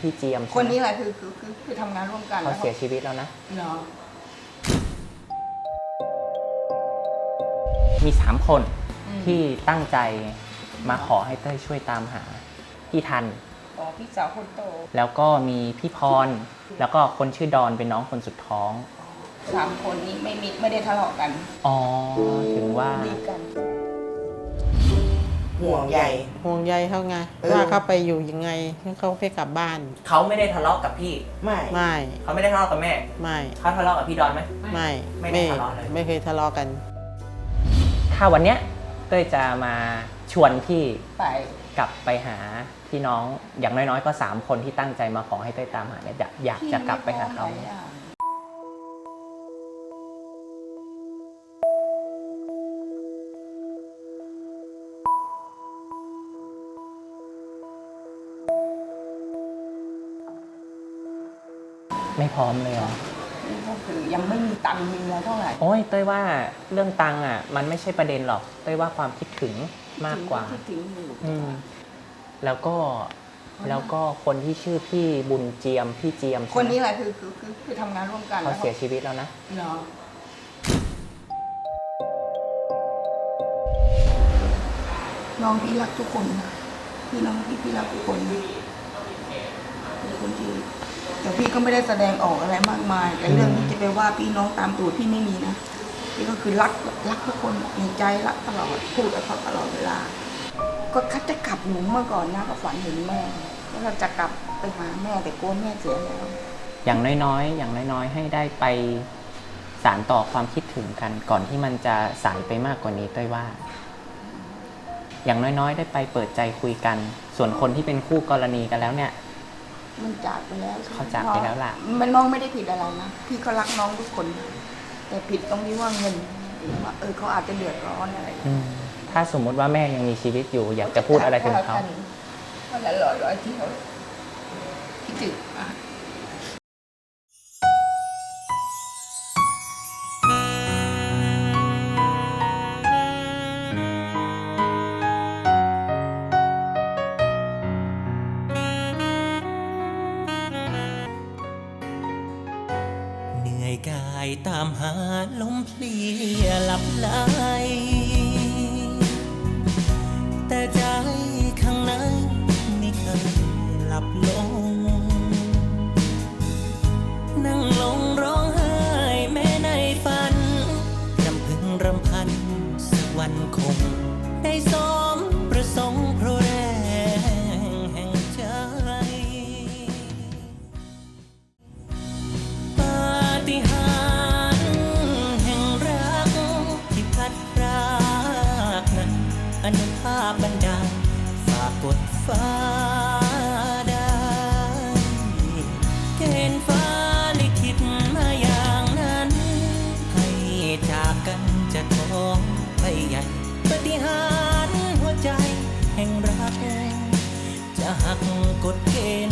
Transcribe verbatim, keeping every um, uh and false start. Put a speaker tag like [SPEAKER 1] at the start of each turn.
[SPEAKER 1] พี่เจียม
[SPEAKER 2] คนนี้แหละคือคือคือคือทำงานร่วมกัน
[SPEAKER 1] เขาเสียชีวิตแล้วนะ
[SPEAKER 2] เนาะ
[SPEAKER 1] มีสามคนที่ตั้งใจมาขอให้เต้ยช่วยตามหาพี่ทัน
[SPEAKER 2] อ๋อพี่สาวคนโต
[SPEAKER 1] แล้วก็มีพี่พรแล้วก็คนชื่อดอนเป็นน้องคนสุดท้อง
[SPEAKER 2] สามคนนี้ไม่มีไม่ได้ทะเลาะกัน
[SPEAKER 1] อ๋อถึงว่า
[SPEAKER 2] ดีกัน
[SPEAKER 3] ห่วงใย
[SPEAKER 4] ห่วงใยเขาไงว่าเขาไปอยู่ยังไงเขาไปกลับบ้าน
[SPEAKER 1] เขาไม่ได้ทะเลาะกับพี่
[SPEAKER 3] ไม่
[SPEAKER 4] ไม่
[SPEAKER 1] เขาไม่ได้ทะเลาะกับแม่
[SPEAKER 4] ไม่
[SPEAKER 1] เขาทะเลาะกับพี่ดอนไหม
[SPEAKER 4] ไม่
[SPEAKER 1] ไม่ได้ทะเลาะเลย
[SPEAKER 4] ไม่เคยทะเลาะกัน
[SPEAKER 1] ถ้าวันเนี้ยเต้ยจะมาชวนพี่
[SPEAKER 2] ไป
[SPEAKER 1] กลับไปหาพี่น้องอย่างน้อยๆก็สามคนที่ตั้งใจมาขอให้เต้ยตามหาเนี่ยอยากจะกลับไปหาเขาไม่พร้อมเลยเหรอ
[SPEAKER 2] ก็คือยังไม่มีตังค์มีแล้วเท่าไหร่
[SPEAKER 1] โอ้ยเต้ยว่าเรื่องตังค์อ่ะมันไม่ใช่ประเด็นหรอกเต้ยว่าความคิดถึงมากกว่า
[SPEAKER 2] คิดถึงอยู่
[SPEAKER 1] อืมแล้วก็แล้วก็คนที่ชื่อพี่บุญเจียมพี่เจียม
[SPEAKER 2] คนนี้แหละคือคือคือคือทำงานร่วมกัน
[SPEAKER 1] เขาเสียชีวิตแล้วนะ
[SPEAKER 2] เนาะน้องพี่รักทุกคนพี่น้องพี่พี่รักทุกคนเป็นคนที่แต่พี่ก็ไม่ได้แสดงออกอะไรมากมายแต่เรื่องที่จะไปว่าพี่น้องตามตูดพี่ไม่มีนะพี่ก็คือรักรักทุกคนในใจรักตลอดพูดกับเขาตลอดเวลาก็คัดจะกลับหนูเมื่อก่อนนะก็ฝันเห็นแม่ว่าเราจะกลับไปหาแม่แต่กลัวแม่เสียแล้ว
[SPEAKER 1] อย่างน้อยๆอย่างน้อยๆให้ได้ไปสานต่อความคิดถึงกันก่อนที่มันจะสายไปมากกว่านี้เต้ยว่าอย่างน้อยๆได้ไปเปิดใจคุยกันส่วนคนที่เป็นคู่กรณีกันแล้วเนี่ย
[SPEAKER 2] มันจากไปแล้ว
[SPEAKER 1] เขาจากไปแล้วล่ะ
[SPEAKER 2] มันน้องไม่ได้ผิดอะไรนะพี่ก็รักน้องทุกคนแต่ผิดตรงที่ว่าเงินว่าเออเขาอาจจะเดือดร้อนอะไร
[SPEAKER 1] ถ้าสมมติว่าแม่ยังมีชีวิตอยู่อยากจะพูดอะไรถึงเขา
[SPEAKER 2] วันละร้อยร้อยที่เขาคิดถึง
[SPEAKER 5] กายตามหาลมเพลียหลับไหลแต่ใจข้างในไม่เคยหลับลงนั่งลงร้องไห้แม้ในฝันรำพึงรำพันสักวันคงได้สมประสงค์เพราะแรงแห่งใจอนุภาพบันดาลฝากกดฟ้าได้เกณฑ์ฟ้าลิขิตมาอย่างนั้นให้จากกันจะท้องไปใหญ่ปาฏิหาริย์หัวใจแห่งรักจะหักกฎเก